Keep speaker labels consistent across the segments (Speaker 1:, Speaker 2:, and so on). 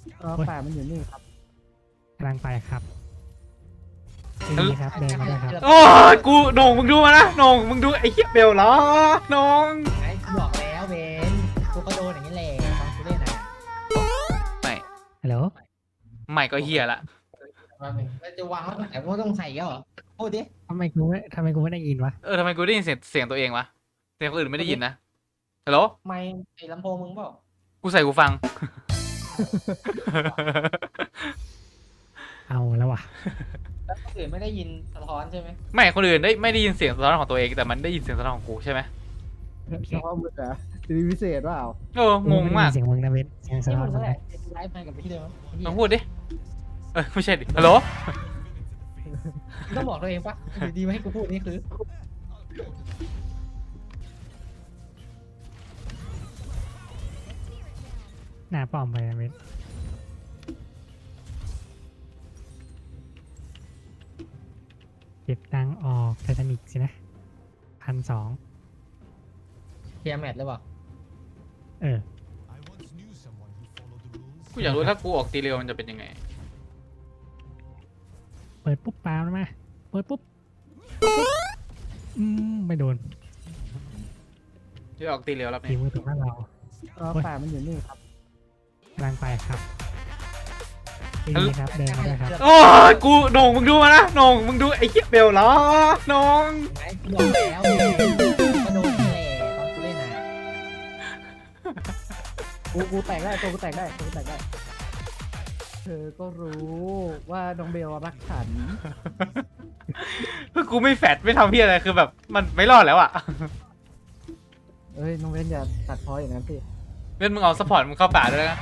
Speaker 1: ป่ามันอยู่นี่ครับ
Speaker 2: กำลังไปครับดีครับเดินมาด้วยครับ
Speaker 3: โอ้ยกูโหน่งมึงดูมานะโหน่งมึงดูไอ้เหี้ยเบลเหรอโหน่ง
Speaker 4: ไอ้กูบอกแล้วเบนกูก็โดนอย่างนี้แหละตอนกูเล่นอ่ะ
Speaker 3: ไม่
Speaker 2: ฮัลโหล
Speaker 3: ไม่ก็เหี้ยละ
Speaker 4: แล้วจะวางไว้ตรงไหนกูต้องใส่ก็เหรอพูดดิ
Speaker 2: ทำไมกูไม่ได้ยินวะ
Speaker 3: ทำไมกูได้ยินเสียงตัวเองวะเสียงคนอื่นไม่ได้ยินนะฮัลโหล
Speaker 4: ไม่ไอ้ลำโพงมึงเปล่า
Speaker 3: กูใส่กูฟัง
Speaker 2: เอาแล้ววะ
Speaker 4: แล้วคนอื่นไม่ได้ยินสะท้อนใช่ไหม
Speaker 3: ไม่คนอื่นไม่ได้ยินเสียงสะท้อนของตัวเองแต่มันได้ยินเสียงสะท้อนของกูใช่ไหม
Speaker 1: เฉพาะมึงเหรอสีพิเศษเปล่า
Speaker 3: งงมาก
Speaker 2: เสียงมึงนะเบนเสียงสะ
Speaker 4: นี่
Speaker 2: ท้อ
Speaker 4: มึ
Speaker 2: น
Speaker 4: ง
Speaker 2: สะ
Speaker 4: ก็
Speaker 2: ท้
Speaker 4: แห
Speaker 2: อ
Speaker 4: ละ
Speaker 2: น
Speaker 4: ไลฟ์มากับพี่เดิม
Speaker 3: ลองพูดดิไม่ใช่ดิฮัลโหล
Speaker 4: ต้องบอกตัวเองปะอยู่ดีมาให้กูพูดนี่คือ
Speaker 2: หน้าป้อมไปนะเบนเก็บตังค์ออกไททานิกสินะ1,200
Speaker 4: เคลียร์แมทหรือเปล่า
Speaker 2: เออ
Speaker 3: กูอยากรู้ถ้ากูออกตีเร็วมันจะเป็นยังไง
Speaker 2: เปิดปุ๊บปาแล้วมาเปิดปุ๊บไม่โดน
Speaker 3: ที่ออกตีเร็วแล้ว
Speaker 2: ที
Speaker 3: เนี่ย
Speaker 2: มือตรงหน้าเรา
Speaker 1: ป่ามันอยู่นี่ครับ
Speaker 2: กำลังไปครับดีครับเดินมาด้วยครับ
Speaker 3: โอ้ยกูโหน่งมึงดูมานะโหน่งมึงดูไอ้เหี้ยเบลเหรอโหน่ง
Speaker 4: ไอ้กูบอกแล้วเบนกูก็โดนอย่างนี้แหละตอนกูเล่นอ่ะ
Speaker 1: กูแตกได้ตัวกูแตกได้เธอก็รู้ว่าน้องเบลรักฉัน
Speaker 3: คือกูไม่แฟดไม่ทำเพี้ยอะไรคือแบบมันไม่รอดแล้วอ่ะ
Speaker 1: เอ้ยน้องเบนอย่าตัดพ้ออย่างนั้นสิ
Speaker 3: เล่นมึงเอาซัพพอร์ตมึงเข้าป่าด้วยนะ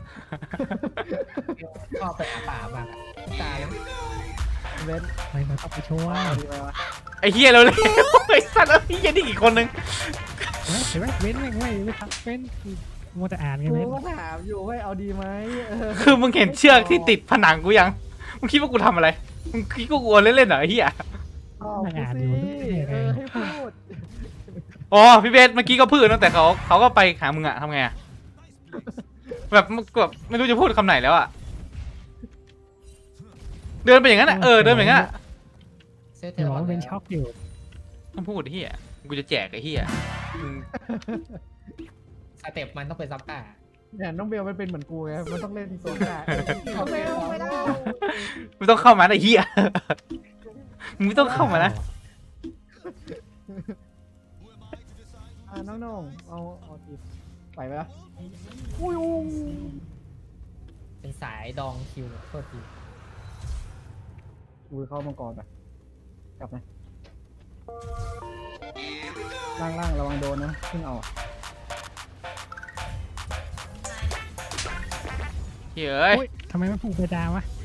Speaker 4: ชอบไปอาป่าบ้างตายแล้ว
Speaker 1: น้องเบน
Speaker 2: ไม่มาต้องไปช่วย
Speaker 1: เอาดีไหมวะ
Speaker 3: ไอ้เฮียเราเลย ไอ้สัตว์ไอ้เฮียนี่อีกคนนึง
Speaker 2: เห็นไหมเว้นไม่ทักเว้นมัวแต่อ่านไง
Speaker 1: กู
Speaker 2: เว้น
Speaker 1: ก็ถามอยู่ว่าเอาดีไหมเออ
Speaker 3: คือมึงเห็นเชือกที่ติดผนังกูยังมึงคิดว่ากูทำอะไรมึงคิดว่ากูเล่นๆเหรอไอ้เฮีย
Speaker 1: ตอบกูสิให้พูด
Speaker 3: อ๋อพี่เบสเมื่อกี้ก็พูดตั้งแต่เขาก็ไปหามึงอะทำไงอะแบบไม่รู้จะพูดคำไหนแล้วอะเดินไปอย่างนั้นอะเดินไปอย่างนั้นอะ
Speaker 4: เซตเท
Speaker 2: เดี๋ยว
Speaker 4: ล
Speaker 2: บอกว่าเป็นช็อกอยู่
Speaker 3: ต้องพูดไอ้เฮียกูจะแจกไอ้เฮียมึง
Speaker 4: สเต็ปมันต้องเป็นซับต้า
Speaker 1: เนี่ยน้องเบลมันเป็นเหมือนกูไงมันต้องเล่นตัวกลางน้องเบลไม่ได้
Speaker 3: ไม่ต้องเข้ามาไอ้เฮียมึงไม่ต้องเข้ามานะ
Speaker 1: น้องเอาอีกไปไหมล่ะ
Speaker 4: เป็นสายดองคิวโทษที
Speaker 1: กูเข้ามังกรไปกลับนะล่างระวังโดนนะเพิ่งเอา
Speaker 3: เฮ้ยเอ้ย
Speaker 2: โอ๊ยทำไมไม่ผูกเพดานวะ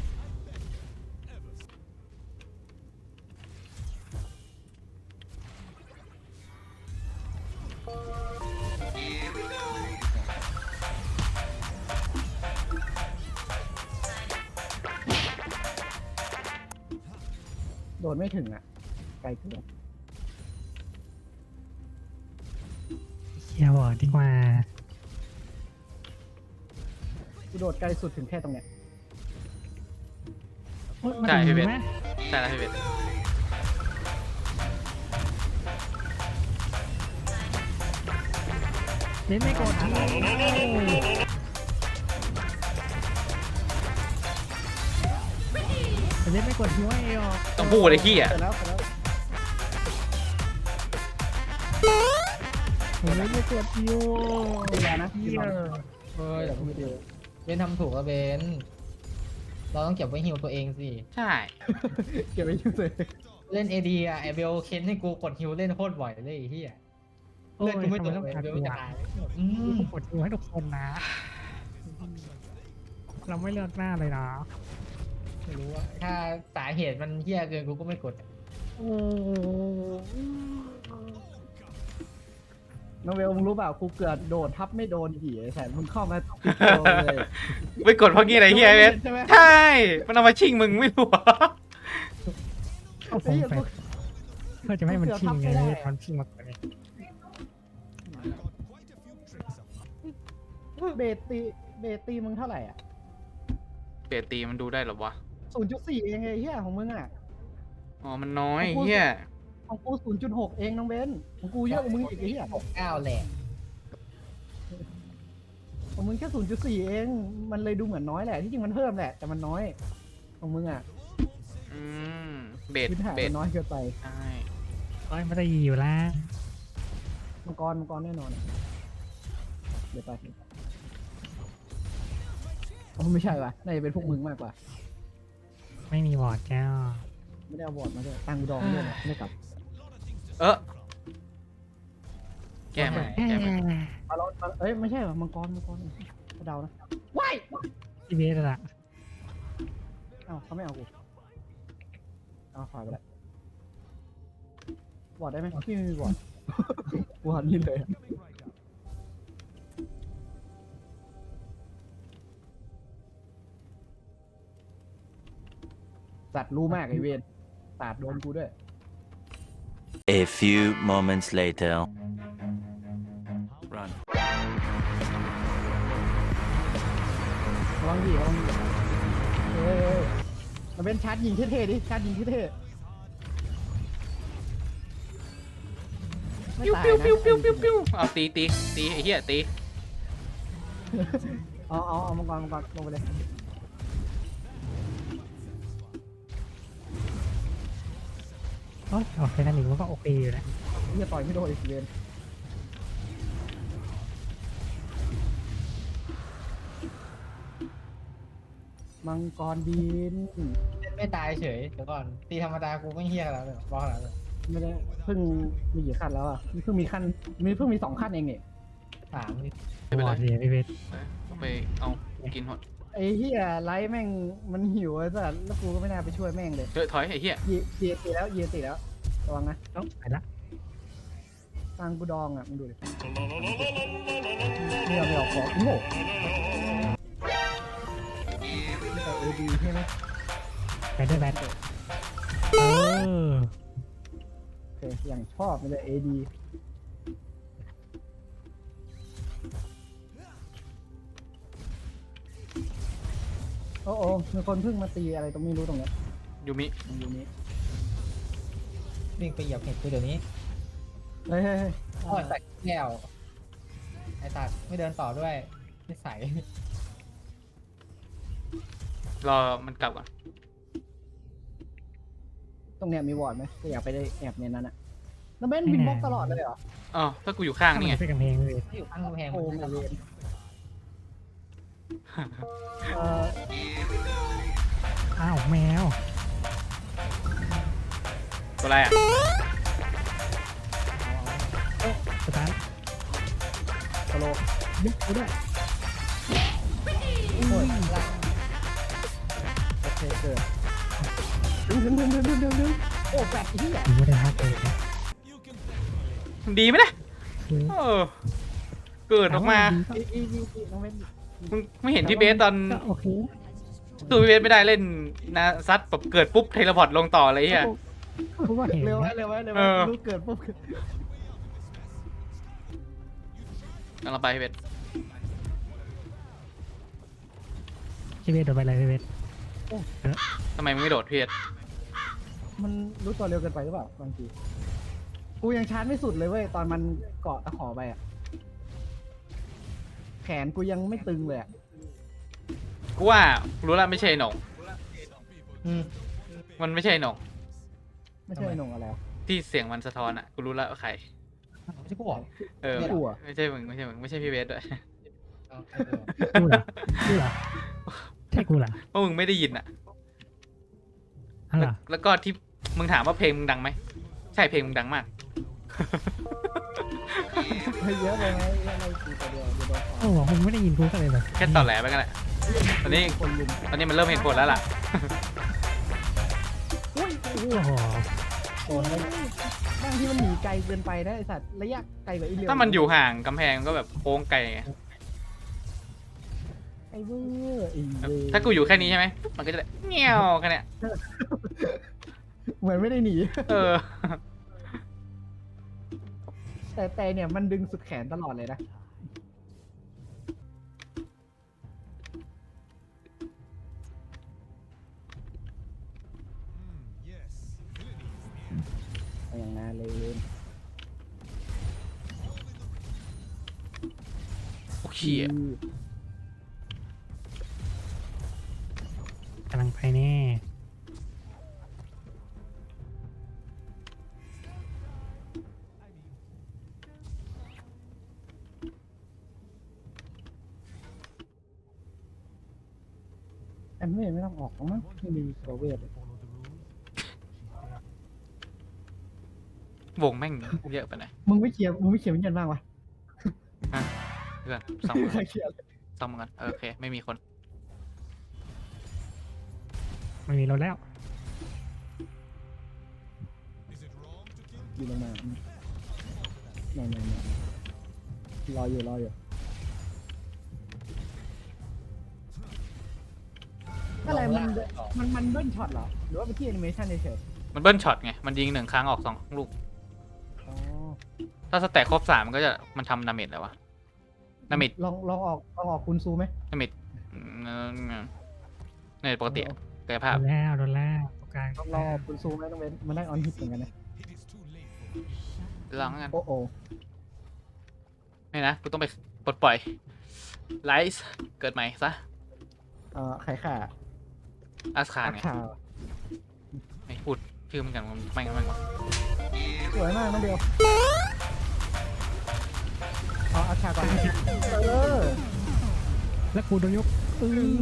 Speaker 1: โดนไม่ถึงอ่ะไกลเกิน
Speaker 2: เฮียบอกดีกว่า
Speaker 1: กูโดดไกลสุดถึงแค่ตรงเนี้ย
Speaker 2: โอ๊ยมาถึงไหม
Speaker 3: ใช่แล้วพี่เบส
Speaker 2: เล่นไม่กดเล่นไม่กดหัวเอว
Speaker 3: ต้องพูดไอ้เฮีย
Speaker 1: เสร็จแล้ว
Speaker 2: เล่นไม่กดฮิว
Speaker 1: ดีแล้วนะ
Speaker 2: เฮี
Speaker 1: ดี
Speaker 2: ย
Speaker 1: แล้ว
Speaker 4: เฮ้ย
Speaker 1: เดี๋ยวพูดดี
Speaker 4: เบนทำถูกแล้วเบนเราต้องเก็บไว้ฮิวตัวเองสิ
Speaker 3: ใช่
Speaker 1: เก็บไว้อยู่เลย
Speaker 4: เล่นเอดีอะไอเบลเค้นให้กูกดฮิวเล่นโคตรบ่อยเลยไอ้เหี้ยเลือดกูไม่ตกเลยเบลจะตายอืม
Speaker 2: กดฮิวให้ทุกคนนะ เราไม่เลือกหน้าเลยนะ
Speaker 4: ไม่รู้ว่าถ้าสาเหตุมันเหี้ยเกินกูก็ไม่กด
Speaker 1: น้องเบลมึงรู้เปล่ากูเกือบโดดทับไม่โดนผีไอ้แสนมึงเข้ามาติดโดนเลย
Speaker 3: ไปกดเพราะงี้อะไรเฮียเบส
Speaker 1: ใช่ไหม
Speaker 3: ใช่มันเอามาชิงมึงไม่รู้เหรอ
Speaker 2: เอาผมแฟดเพื่อจะไม่ให้มันชิงไงเลยมันชิงมาก่อนไง
Speaker 1: เบสตีเบสตีมึงเท่าไหร่อ่ะ
Speaker 3: เบสตีมันดูได้เหรอวะ
Speaker 1: 0.4 เองไอ้เหี้ยของมึงอ่ะ
Speaker 3: อ๋อมันน้อยเฮีย
Speaker 1: ของกู 0.6 เองน้องเบนของกูเยอะกว่ามึงอีกไอ้เหี้ย
Speaker 4: 69แหละ
Speaker 1: ของมึงแค่ 0.4 เองมันเลยดูเหมือนน้อยแหละที่จริงมันเพิ่มแหละแต่มันน้อยของมึงอ่ะ
Speaker 3: อืมเบส
Speaker 1: พื้นฐาน
Speaker 3: เบ
Speaker 1: มั
Speaker 3: ส
Speaker 1: นน้อยเกินไป
Speaker 3: ใช่
Speaker 2: โอ้ยไม่ได้อยู่แล้ว
Speaker 1: มังกรแน่นอนอะเดี๋ยวไปอ๋อไม่ใช่ว่ะน่าจะเป็นพวกมึงมากกว่า
Speaker 2: ไม่มีวอร์ดแก้ว
Speaker 1: ไม่ได้เอาบอร์ดมาด้วยตังค์กูดองด้วยนะไม่กลับ
Speaker 3: แก้มันแก้มัน
Speaker 1: เอาเราเอ้ยไม่ใช่ว่ะมังกรเดานะว้าย
Speaker 2: พี่เบสอะ
Speaker 1: เอ้าเขาไม่เอากูเอาขวาไปละบอร์ดได้ไหมพี่ไม่มีบอร์ด บอร์ดนี่เลยอะสัตว์รู้มากไอเวนตาดโดนกูด้วย
Speaker 5: A few moments later. Run.
Speaker 1: ระวังดิเฮ้ยมันเป็นชาร์จยิงเท่ๆดิชาร์จยิงเท่ๆไม่
Speaker 3: ปิ้ว
Speaker 1: ตาย
Speaker 3: ปิ้ว
Speaker 1: นะ
Speaker 3: ปิ้วปิ้วปิ้วปิ้วเอาตีไอ้เหี้ยตี
Speaker 1: เอามังกรลงไปเลย
Speaker 2: โอ้ยออกไปนั่นอีกมันก็โอเคอยู่แล้ว
Speaker 1: เฮียต่อยไม่โดนอีกเวนมังกรบิน
Speaker 4: ไม่ตายเฉยเดี๋ยวก่อนตีธรรมดากูไม่เฮี้ยแล้วเลยบอกแล้วเลย
Speaker 1: ไม่ได้เพิ่งมีกี่ขั้นแล้วอ่ะเพิ่งมี2 ขั้นเองเนี่ย
Speaker 4: 3นี่
Speaker 3: ไม่เป็น
Speaker 2: ว
Speaker 3: ไร
Speaker 2: อร์ดเลยพี่เบส
Speaker 3: เอาไปเอากินหมด
Speaker 1: ไอ้เฮียไลท์แม่งมันหิวไอ้สัสแล้วกูก็ไม่น่าไปช่วยแม่งเลย
Speaker 3: ถอยไอ้เหี้ย
Speaker 1: เยียตีแล้วระวังนะ
Speaker 2: เอ้าไปละ
Speaker 1: ตังกูดองอ่ะมึงดูดิไม่เอาของโง่ไม่แต่เอดีใช่ไหม
Speaker 2: ไปด้วยแบทเออ
Speaker 1: โอเคอย่างชอบมันเลยเอดีโอ้มีคนเพิ่งมาตีอะไรตรงไม่รู้ตรงเนี้ย
Speaker 3: ยูมิ
Speaker 1: อยู่นี้
Speaker 4: วิ่งไปเหยียบเห็ดกูเดี๋ยวนี้
Speaker 1: เฮ้ย
Speaker 4: โอ้ยใส่แก้วไอ้ตัดไม่เดินต่อด้วยนิสัย
Speaker 3: รอมันกลับก่อน
Speaker 1: ตรงเนี้ยมีวอร์ดไหมก็อยากไปได้แอบในนั้นอะแล้วเบนบินบล็อกตลอดเลยเหรอ
Speaker 3: อ๋อถ้ากูอยู่ข้างนี่ไง
Speaker 2: ไปกับเพลงพี่เบส
Speaker 4: ไม่อยู่ข้างกำแพง
Speaker 1: โอ้
Speaker 4: มัน
Speaker 1: ไม่
Speaker 4: จะ
Speaker 1: เรียนเออ
Speaker 2: อ้าวแมว
Speaker 3: ตัวอะไรอ่ะ
Speaker 2: สตาร์ท
Speaker 1: สโล
Speaker 2: ยึดกูด้วย
Speaker 1: โอ้ยละโอเคเกิดดึงโอ้แปดที่ใหญ่
Speaker 2: ยิงไม่ได้ฮักเลยนะ
Speaker 3: ดีไหมนะ
Speaker 2: คือ
Speaker 3: เออเกิดออกมา
Speaker 1: อีน้องเบน
Speaker 3: มึงไม่เห็นพี่เบสตอน
Speaker 2: ก็โอเค
Speaker 3: สู้พี่เบสไม่ได้เล่นนะซัดแบบเกิดปุ๊บเทเลพอร์ตลงต่อเลยไอ่ะ
Speaker 2: เพราะว่าเห็น
Speaker 1: เร็วไว้
Speaker 3: เออ
Speaker 1: รู้เกิดปุ๊บ
Speaker 3: เราไปพี่เบส
Speaker 2: พี่เบสโดนไปเลยพี่เบส
Speaker 3: ทำไมมึงไม่โดดพี่เบส
Speaker 1: มันรู้ตัวเร็วเกินไปหรือเปล่าบางทีกูยังชาร์จไม่สุดเลยเว้ยตอนมันเกาะตะขอไปอะแขนกูยังไม่ตึงเลยอะ
Speaker 3: กูว่ารู้แล้วไม่ใช่หนง
Speaker 4: อืม
Speaker 3: มันไม่ใช่หนง
Speaker 1: ไม่ใช่หนงอะไรวะ
Speaker 3: ที่เสียงมันสะท้อนอ่ะกูรู้แล้วว่าใคร
Speaker 4: ไม่ใช่กูบอก
Speaker 3: เออ
Speaker 1: ไม่รู้อะ
Speaker 3: ไม่ใช่มึงไม่ใช่พี่เบสด้วย
Speaker 4: เอาไอ้เออ
Speaker 2: กูเหรอกูเหรอใช่กูเหรอ
Speaker 3: เพราะมึงไม่ได้ยินอ่ะ
Speaker 2: อ๋อเหรอ
Speaker 3: แล้วก็ที่มึงถามว่าเพลงมึงดังไหมใช่เพลงมึงดังมาก
Speaker 1: เยอะเลยไหมเยอะเลยกูตัวเดียวเดี๋ยวโดน
Speaker 2: โอ้โหมึงไม่ได้ยินกูก็เลยแบบ
Speaker 3: แค่ต่อแหลไปกันแหละตอนนี้
Speaker 1: คนลุม
Speaker 3: ตอนนี้มันเริ่มเห็นผลแล้วล่ะ
Speaker 1: อุ้ย
Speaker 2: โอ้โห
Speaker 1: โอ้ยบางทีมันหนีไกลเกินไปนะไอสัตว์ระยะไกลกว่าอีเลียว
Speaker 3: ถ้ามันอยู่ห่างกำแพงก็แบบโค้งไกลไง
Speaker 1: ไอเวอร์ไอเวอร์
Speaker 3: ถ้ากูอยู่แค่นี้ใช่ไหมมันก็จะได้เงี้ยวแค่เนี้ย
Speaker 1: เหมือนไม่ได้หนี
Speaker 3: เออ
Speaker 1: แต่เนี่ยมันดึงสุดแขนตลอดเลยนะนาเลน
Speaker 3: โอ้ย
Speaker 2: กำลังไปแน่
Speaker 1: แอมไม่ต้องออกหรอกมั้งไม่มีตัวเวท
Speaker 3: วงแม่งเยอะไปหน่อย
Speaker 1: มึงไม่เคลียร์วิญญาณบ้างวะ
Speaker 3: เพื่อนซ่อม
Speaker 1: ใครเคลียร์
Speaker 3: ซ่อมกันโอเคไม่มีคน
Speaker 2: ไม่มีรถแล้ว
Speaker 1: อยู่ลงมาไม่รออยู่อะไรมันเบิ้ลช็อตเหรอหรือว่าไปที่แอนิเมชันเฉย
Speaker 3: มันเบิ้ลช็อตไงมันยิง1 ครั้งออก2 ลูก
Speaker 1: ๆอ๋อ
Speaker 3: ถ้าสแต็กครบ3มันก็จะมันทำดาเมจแล้ววะดาเมจ
Speaker 1: ลองออกคุณซูไหม
Speaker 3: ดาเมจในปกติกายภาพ
Speaker 2: โดนแล้วตรงกลาง
Speaker 1: ลองออกคุณซูไหมต้องเว้นมันได้ออนฮิตเหมือนกันนะ
Speaker 3: ลองกัน
Speaker 1: โอ้โห
Speaker 3: นี่นะกูต้องไปปลดปล่อยไลซ์เกิดใหม่ซะ
Speaker 1: ไข่ข่า
Speaker 3: อาสคา
Speaker 1: อา
Speaker 3: ไง
Speaker 1: คา
Speaker 3: ไม่พูดชื่อมันกันมันไม่กัน
Speaker 1: สวยมากน้องเดียวเอาอาคาก่อนเออ
Speaker 2: แล้วกูโดนยกอื้อ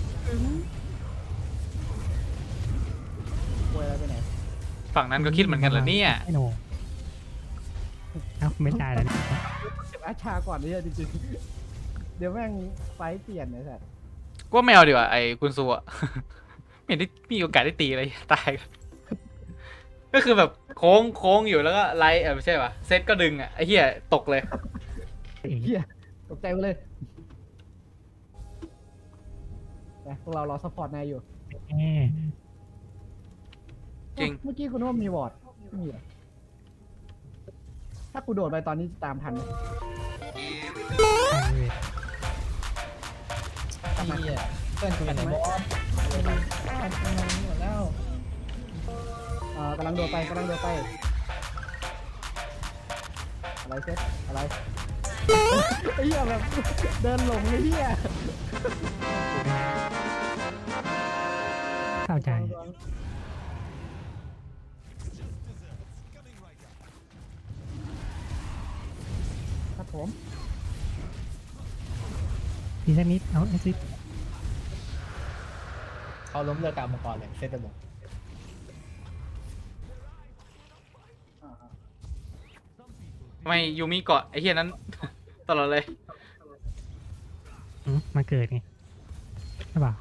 Speaker 1: ป่วยอะไรไปไหน
Speaker 3: ฝั่งนั้นก็คิดเหมือนกันเหรอเนี่ย
Speaker 2: ไอ้โหนเอ้าไม่ได้แล้วเนี่ย
Speaker 1: เก็บอาชาก่อนเนี่ยจริงๆเดี๋ยวแม่งไฟเปลี่ยนไอ้สัส
Speaker 3: ก็ไม่เอาดีกว่าไอ้คุณซูอะ ไม่เห็นได้มีโอกาสได้ตีเลยตายกันก็คือแบบโค้งอยู่แล้วก็ไลท์ไม่ใช่ป่ะเซตก็ดึงอ่ะไอ้เหี้ยตกเลย
Speaker 1: เฮียตกใจไปเลยนะพวกเรารอซัพพอร์ตนายอยู่
Speaker 2: แน่
Speaker 3: จริง
Speaker 1: เมื่อกี้คุณว่ามีวอร์ดไม่มีเหรอถ้ากูโดดไปตอนนี้จะตามทันไหม
Speaker 2: ใช่เว้ย
Speaker 4: เหี้ยเพื่อนกูอยู่ไหนบอสหมดแล้ว
Speaker 1: กำลังโดดไปอะไรเซ็ตอะไรไอ้เหี้ยแบบเดินหลงเลยเหี้ย
Speaker 2: เข้าใจ
Speaker 1: ครับผม
Speaker 2: ทีสักนิดเอาไอซิ
Speaker 4: เขาล้มเลิกกลางมังกรเลยเซตบอก
Speaker 3: ทำไมยูมิเกาะไอ้เหี้ยนั้น ตลอดเลย
Speaker 2: มาเกิดไงใช่ป่ะ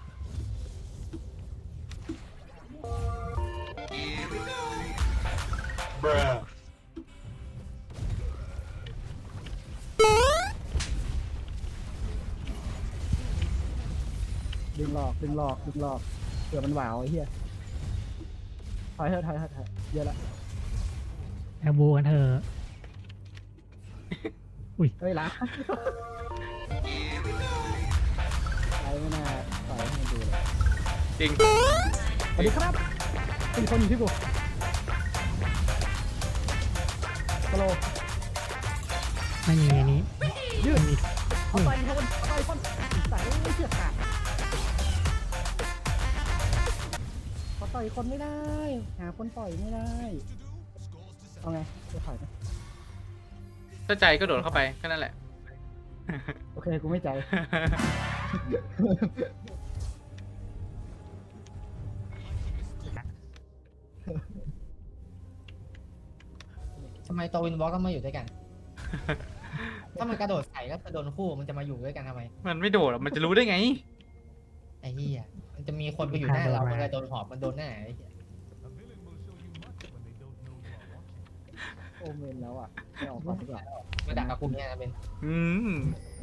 Speaker 1: ดึงหลอกเผื่อมันหวาวไอ้เหี้ยถอยเถอะเยอะละ
Speaker 2: แอลบูกันเถอะ
Speaker 1: เฮ้ยล้าไอ้ไม่น่าปล่อยให้มันดูเลย
Speaker 3: จริง
Speaker 1: สวัสดีครับเป็นคนอยู่ที่กูฮัลโหล
Speaker 2: ไม่มีอันนี้
Speaker 1: ยืด
Speaker 2: ไม่มี
Speaker 1: เอาไปคนใส่ไม่เชือกขาดพอต่อยคนไม่ได้ หาคนต่อยไม่ได้ เอาไงจะถอยไหม
Speaker 3: ถ้าใจก็โดดเข้าไปแค่นั้นแหละ
Speaker 1: โอเค กูไม่ใจ
Speaker 4: ทำไมตัววินวอล์กก็มาอยู่ด้วยกัน ถ้ามันกระโดดใส่ก็จะโดนคู่มันจะมาอยู่ด้วยกันทำไม
Speaker 3: มันไม่โดดหรอกมันจะรู้ได้ไง
Speaker 4: ไอ้เหี้ยมันจะมีคนไปอยู่หน้าเรามันเลยโดนหอบมันโดนหน้าไอ้เหี้ย
Speaker 1: โอเมนแล้วอ่ะไม่ออกก่อนดีกว่า
Speaker 4: มาดักกับกลุ่มเนี่ยนะเป็น
Speaker 3: อืม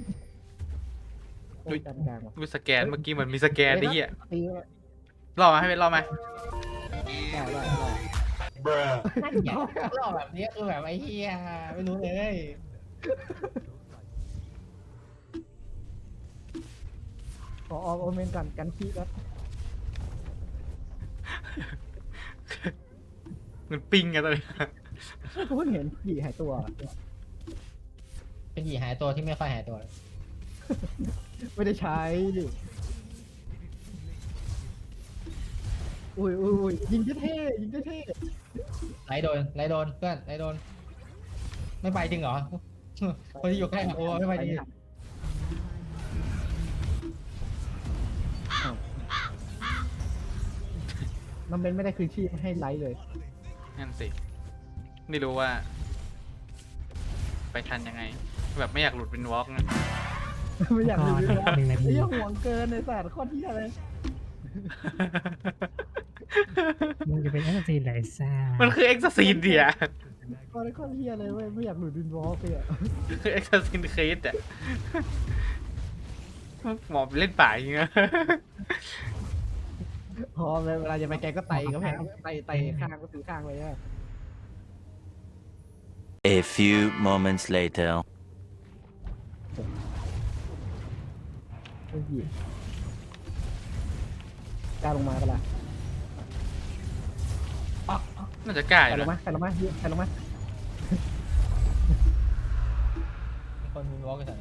Speaker 1: โอ้ยกลางว่ะ
Speaker 3: ดูสแกนเมื่อกี้เหมือนมีสแกนไอ้เหี้ย
Speaker 1: ตี
Speaker 3: รอมาให้เป็นรอมา
Speaker 1: ได้
Speaker 4: นั่นไงรอบแบบนี้คือแบบไอ้เหี้ยไม่รู้เลย
Speaker 1: ขอออกโอเมนก่อนกันขี้ครับ
Speaker 3: มันปิงกันตอนนี้
Speaker 1: กูเพิ่งเห็นผีหายตัว
Speaker 4: เป็นหยีหายตัวที่ไม่ค่อยหายตัวเลย
Speaker 1: ไม่ได้ใช้ดิอุ้ยยิงเท่ๆยิงเท่
Speaker 4: ไล่โดนไล่โดนเพื่อนไล่โดน ไม่ไปจริงเหรอ คนที่อยู่ใกล้โอ้ไม่ไปจริง
Speaker 1: น้องเบนไม่ได้คืนชีพให้ไลท์เลย
Speaker 3: นั่นสิ ไม่รู้ว่า ไปทันยังไง แบบไม่อยากหลุดเป็นวอล์กนะ
Speaker 1: ไม่อยากดูเลย
Speaker 2: หนึ่งนาที
Speaker 1: ไอ้ยังห่วงเกินในสัตว์โคตรเที่ยเลย
Speaker 2: มึงจะเป็นแอสซีนไหนซ่า
Speaker 3: มันคือเอ็กซ์ซีนเดีย
Speaker 1: โคตรเที่ยเลยเว้ยไม่อยากหลุดดินวอล์กเลยอะ
Speaker 3: คือเอ็กซ์ซีนครีสอ่ะหมอไปเล่นป่าอย่างเงี้ย
Speaker 1: พอเวลาจะไปแกก็ไต่ก็แพงไต่ข้างก็ถือข้างไปอะ
Speaker 5: A few moments later.
Speaker 1: ไอ้ผีกล้าลงมาปะล่ะ
Speaker 3: น่าจะกล้าอ
Speaker 1: ใคร
Speaker 3: ยู่
Speaker 1: ลง
Speaker 3: นะ
Speaker 1: มาใครลงมาใครลงมา
Speaker 4: มีคนมีวอล์กกัน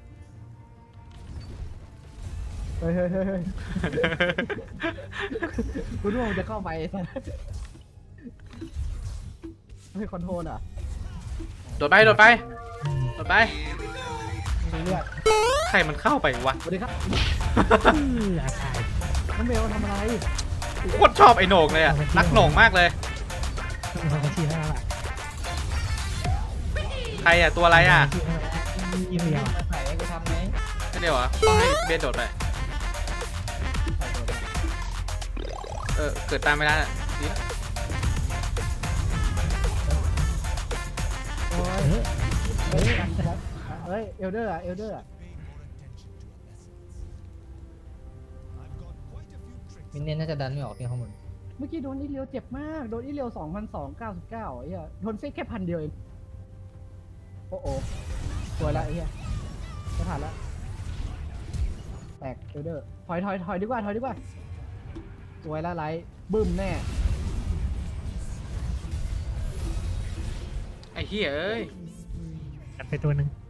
Speaker 1: เฮ้ยกูนึกว่ามันจะเข้าไปไม่คอนโทรลอ่ะ
Speaker 3: โดดไป โดดไป
Speaker 1: มีเลือด
Speaker 3: ใครมันเข้าไปวะ
Speaker 1: สวัสดีครับ
Speaker 2: อาตาย
Speaker 1: น้องเบลทำอะไร
Speaker 3: โคตรชอบไอ้โหน่งเลยอ่ะ รักโหน่งมากเลย
Speaker 2: มีคนมาชี้ให้แล้วล่ะ
Speaker 3: ใครอ่ะ ตัวอะไรอ่ะ
Speaker 2: ยี่เดียว
Speaker 4: ใส่ให้กูทำไหม
Speaker 3: ไม่เดียวเหรอต้องให้เบสโดดไป เกิดตามไม่ได้อ่ะดีละ
Speaker 1: โอ้ยเฮ้ยเฮ้ยเอลเดอร์อะเอลเดอร์อะ
Speaker 4: มินเนี่ยนน่าจะดันไม่ออกที่ข้างบน
Speaker 1: เมื่อกี้โดนอีเลียวเจ็บมากโดนอีเลียว2,299ไอ้เหี้ยโดนเฟกแค่1,000เดียวเองโอ้โหสวยละไอ้เหี้ยจะผ่านละแตกเอลเดอร์ถอยดีกว่าสวยละไลท์บึ้มแน่
Speaker 3: ไอ้เหี้ยเอ้ย
Speaker 2: กัดไปตัวหนึ่ง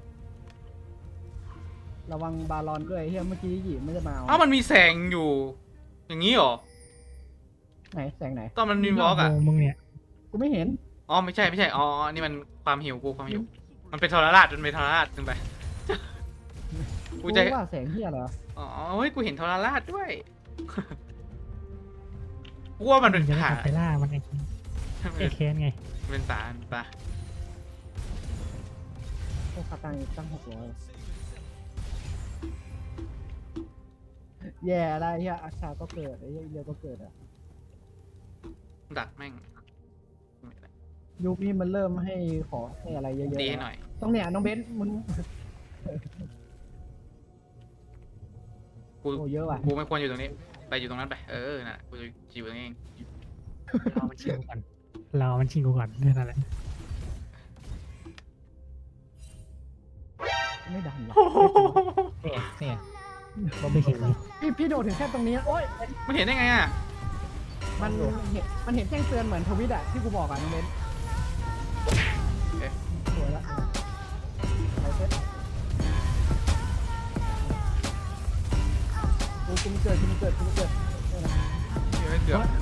Speaker 1: ระวังบาลอนด้วยไอ้เหี้ยเมื่อกี้หยิบไม่จะมา
Speaker 3: เอ้ามันมีแสงอยู่ อย่างนี้เหรอ
Speaker 1: ไหนแสงไหน
Speaker 3: ตอนมันมีวอล์กอ่ะ
Speaker 2: มึงเนี่ย
Speaker 1: กูไม่เห็น
Speaker 3: อ๋อไม่ใช่อ๋อนี่มันความหิวความหิว มันเป็นทรราชขึ้นไป
Speaker 1: กู
Speaker 3: กูจะ
Speaker 1: ว่าแสงเหี้ยเหรอ
Speaker 3: อ๋อเฮ้ยกูเห็นทรราชด้วย กูว่ามันเป็น
Speaker 2: จะได้
Speaker 3: ผาก
Speaker 2: ลับไปล่ามันไอ้แค้นไง
Speaker 3: เป็นสารปะ
Speaker 1: โอ้คาตังตั้ง600แย่อะไรเหี้ยอาชาก็เกิดไอ้เหี้ยเรียวก็เกิดอ่ะ
Speaker 3: ดักแม่ง
Speaker 1: ยุคนี้มันเริ่มให้ขอให้อะไรเยอะ
Speaker 3: ตีให้หน่อย
Speaker 1: ๆต้องเนี่ยน้องเบนซ์มึง
Speaker 3: กู
Speaker 1: โอ้เยอะว่ะ
Speaker 3: กูไม่ควรอยู่ตรงนี้ ไปอยู่ตรงนั้นไป น่ะ กูจะอยู่ตรงนี้เอง
Speaker 2: เรามันชิงกูก่อนนั่นแหละ
Speaker 1: ไม่ดันหรอ
Speaker 4: เนี่ย
Speaker 2: ก็ไม่เห็นเลย
Speaker 1: พี่โดดถึงแค่ตรงนี้โอ๊ย
Speaker 3: มันเห็นได้ไงอ่ะ
Speaker 1: มันเห็นแจ้งเตือนเหมือนทวิตอะที่กูบอกอะน้องเบนซ์
Speaker 3: เอ๊ะ
Speaker 1: สวยละไปเซ็ตกูไม่เกิดเนี่ยนะ
Speaker 3: เกือบ
Speaker 1: เกือบไม่เกิด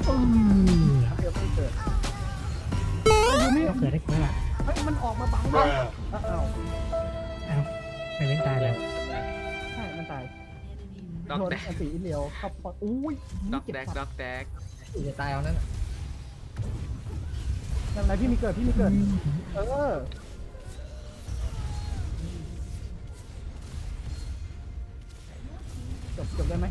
Speaker 1: ยูมิ
Speaker 2: ก็เกิดได้แค่ว่า
Speaker 1: เฮ้ยมันออกมาบังด้วยอ้าว
Speaker 2: ไปเว้นตายแล้ว
Speaker 1: ใช่มันตาย
Speaker 3: ด็อก
Speaker 1: โดน
Speaker 3: แดก
Speaker 1: อันตีอิเลียวเข้าปอดอุ้ย
Speaker 3: ด็อก
Speaker 1: เจ็บ
Speaker 3: แดก
Speaker 1: สัตว์
Speaker 3: ด็อกแดก
Speaker 4: กูจะตายเอานั้น
Speaker 1: ทำไรพี่มีเกิดจบได้ไหม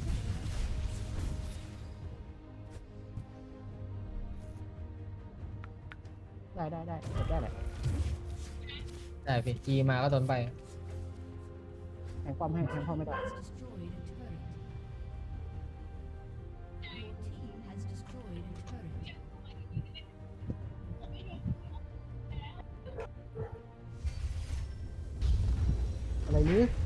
Speaker 1: ได้จบได้แหละ
Speaker 4: ได้พี่จีมาก็โดนไป
Speaker 1: แทงความให้แทงความไม่ได้ อะไรนี้